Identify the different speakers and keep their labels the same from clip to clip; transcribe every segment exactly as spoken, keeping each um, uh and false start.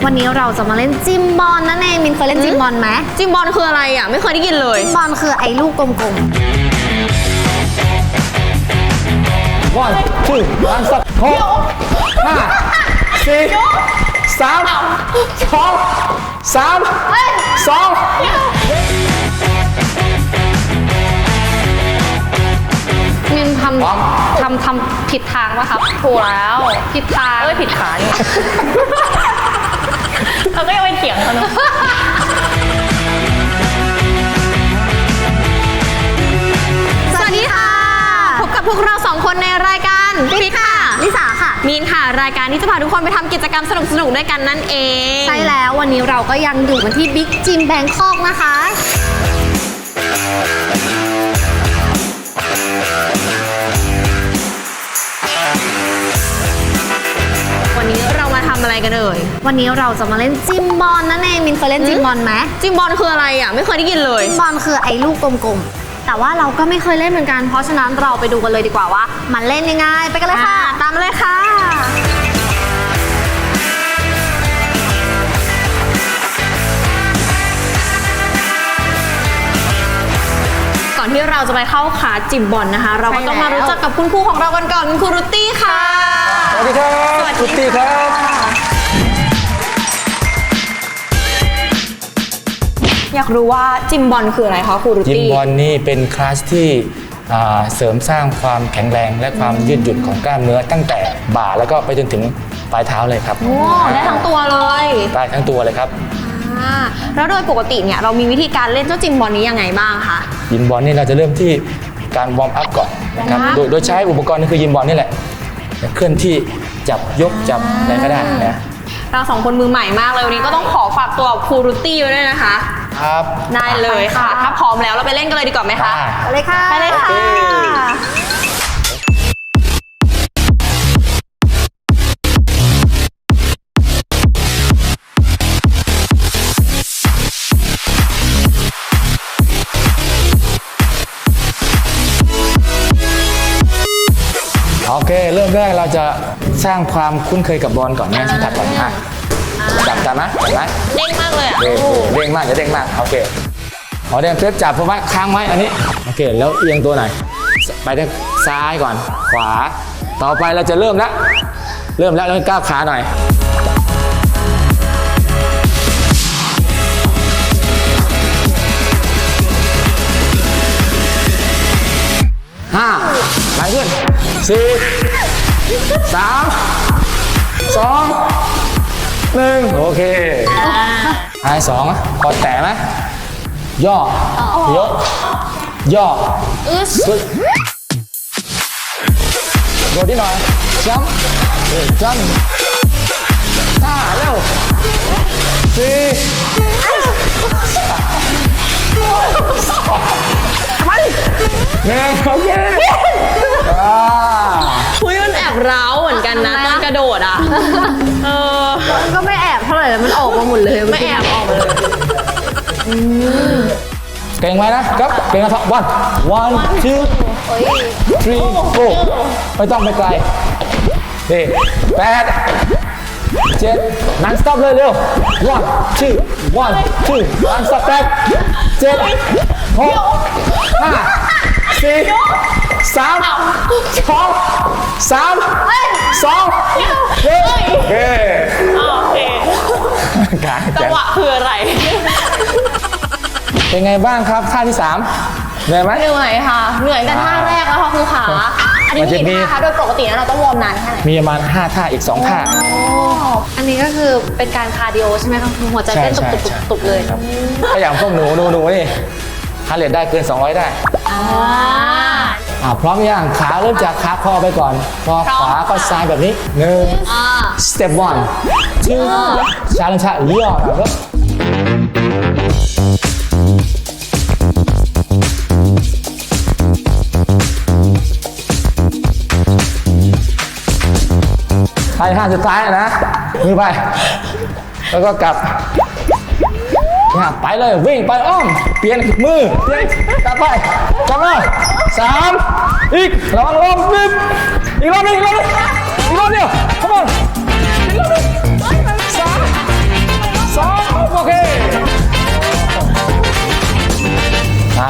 Speaker 1: วันนี้เราจะมาเล่นจิมบอลนั่นเองมินเคยเล่นจิมบอลไหม
Speaker 2: จิมบอลคืออะไรอ่ะไม่เคยได้ยินเลย
Speaker 1: จิมบอลคือไอ้ลูกกลมๆ
Speaker 3: one two one stop หกห้าสี่สามสองสามสอง
Speaker 1: มินทำทำทำผิดทางป่ะครับ
Speaker 2: ถูกแล้ว
Speaker 1: ผิดทาง
Speaker 2: เอ้ยผิดขานี่เราก็ยังไปเถียงเขาเนอะ
Speaker 1: สวัสดีค่ะพบกับพวกเราสองคนในรายการปิ๊กค่ะลิสาค่ะ
Speaker 2: มีนค่ะรายการที่จะพาทุกคนไปทำกิจกรรมสนุกๆด้วยกันนั่นเอง
Speaker 1: ใช่แล้ววันนี้เราก็ยังอยู่กันที่บิ๊กจิมแบงคอกนะคะ
Speaker 2: วันนี้เรามาทำอะไรกันเอ่ย
Speaker 1: วันนี้เราจะมาเล่นจิมบอลนั่นเองมินเคยเล่นจิมบอลไหม
Speaker 2: จิมบอลคืออะไรอ่ะไม่เคยได้ยินเลย
Speaker 1: จิมบอลคือไอ้ลูกกลมๆแต่ว่าเราก็ไม่เคยเล่นเหมือนกันเพราะฉะนั้นเราไปดูกันเลยดีกว่าว่ามันเล่นยังไงไปกันเลยค่ะ
Speaker 2: ตามมาเลยค่ะก่อนที่เราจะไปเข้าขาจิมบอลนะคะเราก็ต้องมารู้จักกับคุณครูของเรากันก่อนคุณครูรุตตี้ค่ะ
Speaker 3: สวัสดีครับสวัสดีครับ
Speaker 2: อยากรู้ว่าจิมบอลคืออะไรคะครูรุตตี้
Speaker 3: จิมบอลนี่เป็นคลาสที่เสริมสร้างความแข็งแรงและความยืดหยุ่นของกล้ามเนื้อตั้งแต่บ่าแล้วก็ไปจนถึงปลายเท้าเลยครับ
Speaker 2: โอ้ได้ทั้งตัวเลย
Speaker 3: ได้ทั้งตัวเลยครับ
Speaker 2: แล้วโดยปกติเนี่ยเรามีวิธีการเล่นเจ้าจิมบอลนี้ยังไงบ้างคะ
Speaker 3: ยิมบอลนี่เราจะเริ่มที่การวอร์มอัพก่อนนะครับโดยโดยใช้อุปกรณ์นี่คือยิมบอลนี่แหละเคลื่อนที่จับยกจับอะไรก็ได้นะ
Speaker 2: เราสองคนมือใหม่มากเลยวันนี้ก็ต้องขอฝากตัวครูรุตตี้ไว้ด้วยนะคะ
Speaker 3: ครับ
Speaker 2: ได้เลยค่ะถ้าพร้อมแล้วเราไปเล่นกันเลยดีกว่าไหมคะ
Speaker 1: ไปเลยค่ะ
Speaker 2: ไปเลยค่ะ
Speaker 3: โอเคเริ่มแรกเราจะสร้างความคุ้นเคยกับบอลก่อนนะสัมผัสก่อนอ่ะจับจับนะจับนะ
Speaker 2: เด้งมากเลยอ่ะ
Speaker 3: เด้งมากจะเด้งมากโอเคพอเด้งเป๊บจับเพราะว่าค้างไว้อันนี้โอเคแล้วเอียงตัวไหนไปทางซ้ายก่อนขวาต่อไปเราจะเริ่มแล้วเริ่มแล้วแล้วก้าวขาหน่อยห้าไปขึ้นสี่สามสองหนึ่งโอเคหายสองกอดแตะไหมย่อยกย่อสุดโดดที่หน่อยจัมจัมห้าเร็วสี่ไปหนึ่งโอเค
Speaker 2: คุยมันแอบร้าวเหมือนกันนะตอนกระโดดอ่ะเออ
Speaker 1: ก็ไม่แอบเท่าไหร่แล้วมันออกมาหมดเลย
Speaker 2: ไม่แอบออกมาเลย
Speaker 3: เก่งไหมนะครับเก่งนะครับ one one two three four ไม่ต้องไปไกลนี่แปดเจ็ดนั่ง stop เลยเร็ว one two one two one stop แปดเจ็ดหกห้าสี่สามสองสามสองหนึ่งโอเค
Speaker 2: โอเคจังหวะคืออะไร
Speaker 3: เป็นไงบ้างครับท่าที่สามเหนื่อยไหม
Speaker 2: เหนื่อยค่ะเหนื่อยกันท่าแรกแล้วค่ะคือขาอันนี้มีท่าคะโดยปกติเราต้องวอร์มนานแค่ไหน
Speaker 3: มีประมาณห้าท่าอีกสองท่า
Speaker 1: อันนี้ก็คือเป็นการคาร์ดิโอใช่ไหมคะคือหัวใจเต้นตุบๆเลย
Speaker 3: ถ้าอย่างพวกหนูหนูหนูนี่ฮาร์ทเรทได้เกินสองร้อยได้อ่าพร้อมยังขาเริ่มจากขาคอไปก่อนพอขวาก็ซ้ายแบบนี้หนึ่ง step one two ช้าลงช้าย่อแล้วไปท่าสุดท้ายนะมือไปแล้วก็กลับไปเลยวิ่งไปอ้อมเปลี่ยนมือเปลี่ยนกลับไปกลับมาสามอีกระวังลมนิดอีกรอบนึงอีกรอบนึงอีกรอบเดียวเข้ามาอีกรอบนึงสาม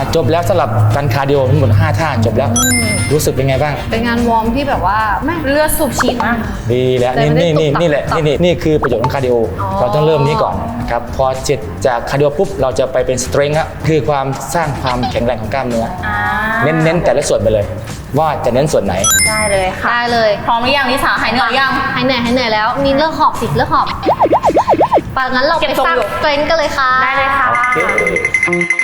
Speaker 3: จบแล้วสำหรับการคาร์ดิโอทั้งหมดห้าท่าจบแล้ว รู้สึกเป็นไงบ้าง
Speaker 1: เป็นงานวอร์มที่แบบว่าแม่
Speaker 2: เลือดสูบฉีดมาก
Speaker 3: ดีแล้ว
Speaker 1: แต่
Speaker 3: นี่
Speaker 1: ไม่
Speaker 3: นี่
Speaker 1: ได้
Speaker 3: นี่
Speaker 1: ตุบตับ
Speaker 3: นี่แหละ
Speaker 1: ตับ
Speaker 3: นี่นี่นี่คือประโยชน์ของคาร์ดิโอเราต้องเริ่มนี้ก่อนนะครับพอเสร็จจากคาร์ดิโอปุ๊บเราจะไปเป็นสเตรนท์ครับคือความสร้างความแข็งแรงของกล้ามเนื้ออเน้นเน้นแต่ละส่วนไปเลย ว่าจะเน้นส่วนไหน
Speaker 2: ได้เลยค่ะ
Speaker 1: ได้เลย
Speaker 2: พร้อมหรือยังลิสาหายเหนื่อยยัง
Speaker 1: หายเหนื่อยหายเหนื่อยแล้ว มีเลิกหอบสิเลิกหอบปะงั้นเรา
Speaker 2: เก็
Speaker 1: ไป
Speaker 2: บทรง
Speaker 1: สร้าง
Speaker 2: อยู่
Speaker 1: เทรนด์กันเลยค่ะ
Speaker 2: ได้เลยค่ะ
Speaker 3: โอเค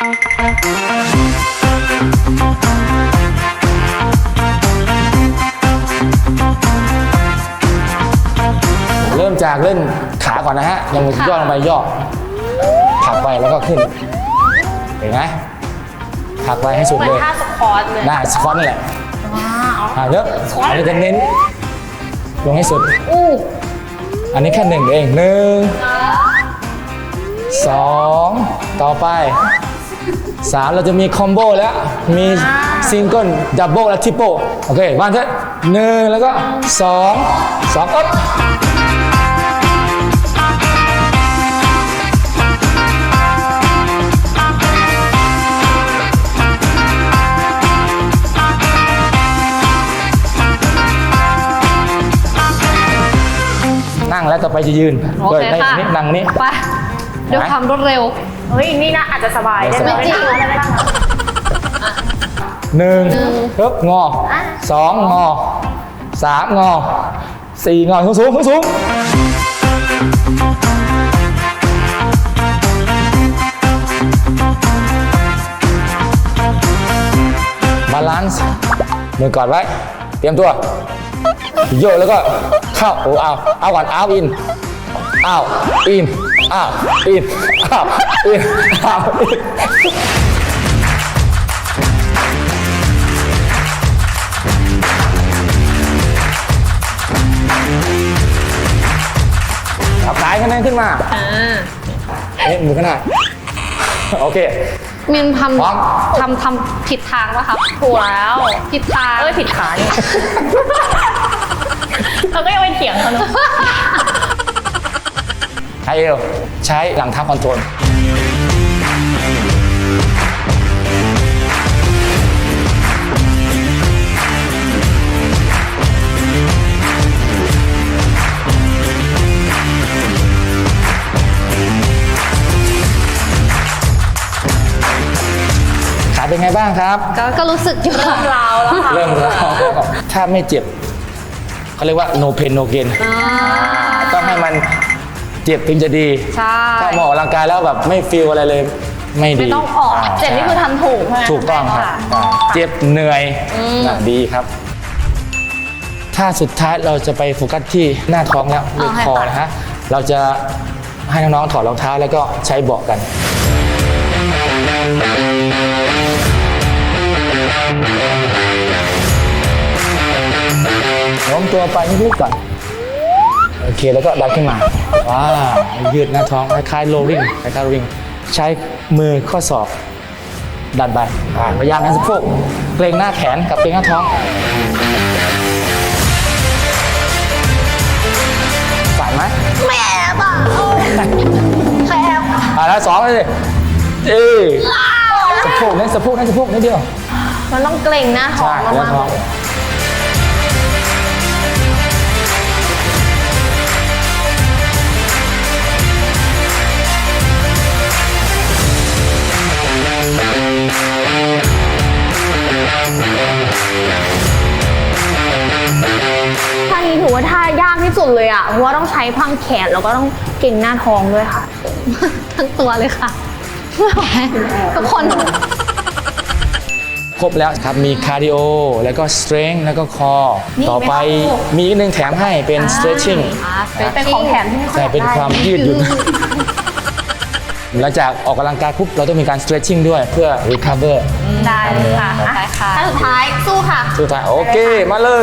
Speaker 3: เริ่มจากเล่นขาก่อนนะฮะยังย่อลงไปย่อผลักไปแล้วก็ขึ้นเห็นไหมผลักไปให้สุด
Speaker 2: เหมือ
Speaker 3: เล
Speaker 2: น
Speaker 3: ย
Speaker 2: ท่าสควอตเลย
Speaker 3: หน้าสควอตนี่แหละอ่าเยอะอันนี้จะเน้นลงให้สุด
Speaker 2: อู้
Speaker 3: อันนี้แค่หนึ่งเองหนึ่งสองต่อไปสามเราจะมีคอมโบแล้ว มีซิงเกิลดับเบิลและทริปเปิลโอเคบ้านเถอะหนึ่งแล้วก็สองสองอ๊บนั่งแล้วต่อไปจะยืน
Speaker 1: โอเค
Speaker 3: ได้
Speaker 1: ค่ะ
Speaker 3: นี่นั่งนี่
Speaker 1: ไปด้วยความรวดเร็ว
Speaker 2: เฮ้ย นี่น่าอาจจะสบายได้
Speaker 3: ไม่
Speaker 2: ไหม
Speaker 3: จริง
Speaker 2: ได้ไหมได้ไหม
Speaker 3: หนึ่งปึ๊บงอสองงอสามงอสี่งอสูงสูงสูงบาลานซ์มือกอดไว้ เตรียมตัว โยกแล้วก็เข้าโอ้เอาเอาก่อนเอาอินเอาอินเอาอินเอาอินเอาอินเอาสายคะแนนขึ้นมาเอ๊ะมือขางหนาดโอเค
Speaker 1: มินท
Speaker 3: พร้อม
Speaker 1: ำทำทำผิดทางป่ะครับ
Speaker 2: ถูกแล้ว
Speaker 1: ผิดทาง
Speaker 2: เอ้ยผิดขานี่เราก็ยังไปเถียงเขาเนอะ
Speaker 3: ใช้เอวใช้หลังเท้าคอนโทรลขาเป็นไงบ้างครับ
Speaker 1: ก็ก็รู้สึกอยู่ค่ะ
Speaker 2: ราวแล้วค่ะ
Speaker 3: เริ่มแล้วถ้าไม่เจ็บเขาเรียกว่า no pain no gain ต้องให้มันเจ็บถึงจะดี
Speaker 1: ใช่
Speaker 3: ถ้ามาออกกำลังกายแล้วแบบไม่ฟีลอะไรเลยไม่ดี
Speaker 2: ไม่ต้องออก
Speaker 3: า
Speaker 2: เจ็บนี่คือทำถูกใช่ไหม
Speaker 3: ถูกต้องครับ
Speaker 2: ะ
Speaker 3: อ่าเจ็บเหนื่อยน่ะดีครับ ถ้าสุดท้ายเราจะไปโฟกัสที่หน้าท้องแล้วเรื่องคอนะฮะเราจะให้น้องๆถอดรองเท้าแล้วก็ใช้เบาะกันโน้มตัวไปนิดๆก่อนโอเคแล้วก็ดันขึ้นมาว้าวยืดหน้าท้องคล้ายๆโรลลิ่งคล้ายๆโรลลิ่งใช้มือข้อศอกดันไปอ่าพยายามให้สะโพกเกรงหน้าแขนกับเกรงหน้าท้องสั่นไหม
Speaker 1: แม่บ้าแคบ
Speaker 3: อ่าแล้วสองเลยเอ้ยสะโพกเน้นสะโพกเน้นสะโพกนิดเดียว
Speaker 2: มันต้องเกรงหน้าท้อง
Speaker 3: ใช่หน้าม
Speaker 2: าก
Speaker 3: ท้อง
Speaker 2: ๆท่านี้ถือว่าท่ายากที่สุดเลยอ่ะ เพราะว่าต้องใช้พังแขนแล้วก็ต้องเกรงหน้าท้องด้วยค่ะ
Speaker 1: ทั้งตัวเลยค่ะไม่ไหวทุกคน
Speaker 3: ครบแล้วครับ มีคาร์ดิโอ แล้วก็สเตร n ง h แล้วก็คอ ต่อไปมีอีกหนึ่งแถมให้เป็น stretching
Speaker 2: เป็นของแถมที่ไม่ค่อย
Speaker 3: ใช่
Speaker 2: อยาก
Speaker 3: เป็น
Speaker 2: ได้
Speaker 3: ความยืดหยุ่น หลังจากออกกำลังกายปุ๊บเราต้องมีการ stretching ด้วยเพื่อ recover
Speaker 2: ได้เลยค่ะ
Speaker 3: ครับ
Speaker 2: ได้ค่ะ
Speaker 1: ท่าสุดท้ายสู้ค่ะ
Speaker 3: สุดท้ายโอเค มาเลย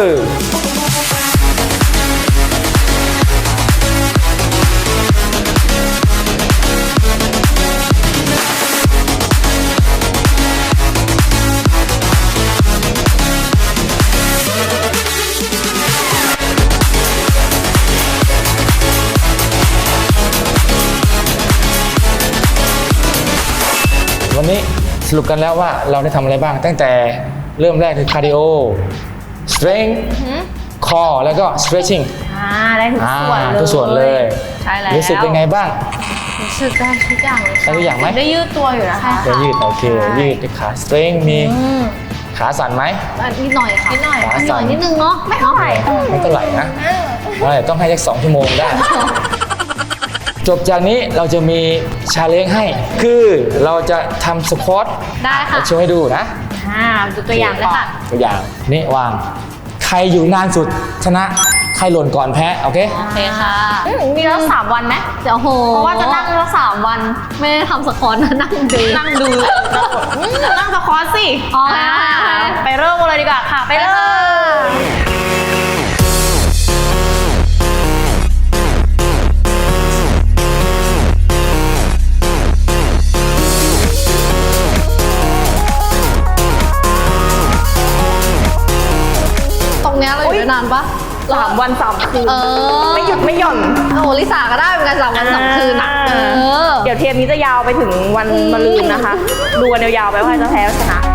Speaker 3: วันนี้รุปกันแล้วว่าเราได้ทำอะไรบ้างตั้งแต่เริ่มแรกคือคาร์ดิโอ strength core แล้วก็ stretching
Speaker 2: อ่าได้ทุก
Speaker 3: อ่า
Speaker 2: ส่วนเลย
Speaker 3: ทุกส่วนเลย
Speaker 2: ใช่แล้ว
Speaker 3: รู้สึกเป็นไงบ้าง
Speaker 1: รู้สึกได้ทุกอย่างเลย
Speaker 3: ได้ทุกอย่างไหม
Speaker 2: ได้ยืดตัวอยู่นะคะ
Speaker 3: เดี๋ยวยืดโอเค
Speaker 2: ใช่
Speaker 3: ยืดขา strength มีขาสั่นไหม
Speaker 1: อ่ะนิดหน่อยค่ะ
Speaker 2: นิดหน่อย
Speaker 1: นิดหน่อยนิดนึงเนาะไม่เท่าไหร่
Speaker 3: ไม่เท่าไหร่นะไม่ต้องให้สักสองชั่วโมงได้ จบจากนี้เราจะมีชาเลนจ์ให้ คือเราจะทำสควอต
Speaker 1: ได้ค่ะ
Speaker 3: โชว์ให้ดูนะ
Speaker 2: อ่าดูตัวอย่างเลยค่ะ
Speaker 3: ตัวอย่างนี่วาง ใครอยู่นานสุดชนะ ใครหล่นก่อนแพ้ โอเค
Speaker 1: โอเคค่ะ
Speaker 2: อืมมีแล้วสามวันไหม
Speaker 1: เดี๋ยวโห
Speaker 2: เพราะว่าจะนั่งแล้วสามวัน
Speaker 1: ไม่ได้ทำสควอตนะนั่งดู
Speaker 2: นั่งดูอืมนั่งสควอตสิ
Speaker 1: อ๋อ
Speaker 2: อ่าไปเริ่มกันเลยดีกว่าค่ะ ไปเลย
Speaker 1: ตรงเนี้ยเราอยู่ได้นานปะ
Speaker 2: สามวันสามคืน
Speaker 1: เออ
Speaker 2: ไม่หยุดไม่หย่อน
Speaker 1: โอ้โหลิสาก็ได้เหมือนกันสามวันสองคืนอ่ะเออ
Speaker 2: เดี๋ยวเทปนี้จะยาวไปถึงวันมะรืนนะคะ ดูกันยาวๆไปว่าใครจะแพ้ชนะ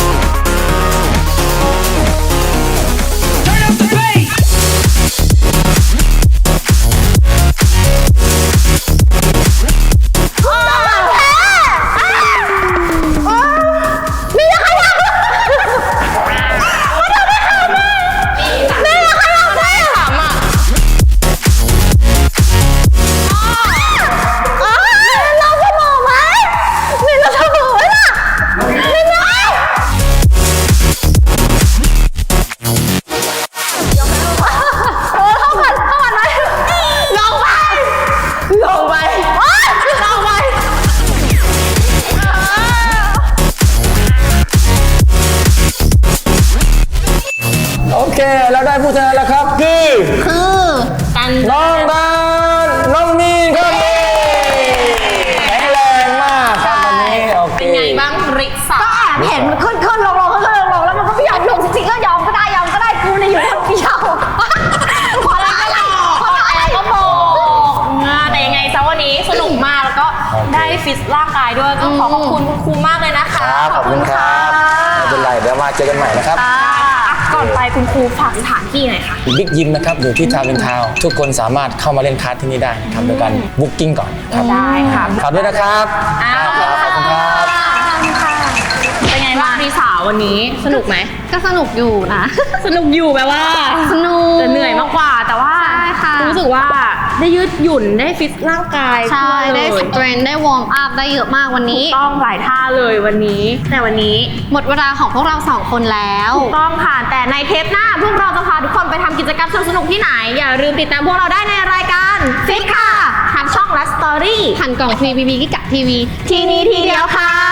Speaker 3: โอเคเราได้ผู้ชนะแล้วครับ คือ
Speaker 1: คือกัน
Speaker 3: น้องดานน้องมีนครับแข็งแรงมากครับวันนี้โอเค
Speaker 2: เป็นไงบ้างริสา
Speaker 1: ก็แอบเห็นมันขึ้นขึ้นลงลงขึ้นลงลงแล้วมันก็ไม่ยอมลงจริงๆก็ยอมก็ได้ยอมก็ได้กูเนี่ยอยู่คนเดียวพอแล้วก็ได้พอ
Speaker 2: แอ
Speaker 1: แล้ว
Speaker 2: ร์ก็บอกอ่าแต่ยังไงซะวันนี้สนุกมากแล้วก็ได้ฟิตร่างกายด้วยก็ขอขอบคุณคุณครูมากเลยนะคะ
Speaker 3: ครับขอบคุณครับไม่เป็นไรเดี๋ยวมาเจอกันใหม่นะครับ
Speaker 2: อ่ะก่อนไปคุณครูฝากสถานที่หน่อยค่ะ
Speaker 3: บิ๊กยิมนะครับอยู่ที่ทาวน์อินทาวน์ทุกคนสามารถเข้ามาเล่นคลาสที่นี่ได้นะครับโดยการบุ๊กกิ้งก่อนครับ
Speaker 2: ได้ค่ะ
Speaker 3: ฝากด้วยนะครับ
Speaker 2: อ่า
Speaker 3: ครับขอบคุณครับ
Speaker 2: เป็นไงบ้างริสาวันนี้สนุกไหม
Speaker 1: ก็สนุกอยู่นะ
Speaker 2: สนุกอยู่แปลว่า
Speaker 1: สนุก
Speaker 2: แต่เหนื่อยมากกว่าแต่ว่า
Speaker 1: ใช่ค่ะ
Speaker 2: รู้สึกว่าได้ยืดหยุ่นได้ฟิตร่างกาย
Speaker 1: ใช่
Speaker 2: ทั่ว
Speaker 1: ได้
Speaker 2: เล
Speaker 1: ส
Speaker 2: ย
Speaker 1: เตรนได้วอร์มอัพได้เยอะมากวันนี้
Speaker 2: ต้องหลายท่าเลยวันนี้ แต่วันนี้
Speaker 1: หมดเวลาของพวกเราสองคนแล้ว
Speaker 2: ถูกต้องค่ะ แต่ในเทปหน้าพวกเราจะพาทุกคนไปทำกิจกรรมสนุกๆที่ไหน อย่าลืมติดตามพวกเราได้ในรายการฟิตค่ะทางช่องและสตอรี่
Speaker 1: ผ่านกล่องทีวีบีกิกะทีวี
Speaker 2: ทีนี้ทีเดียวค่ะ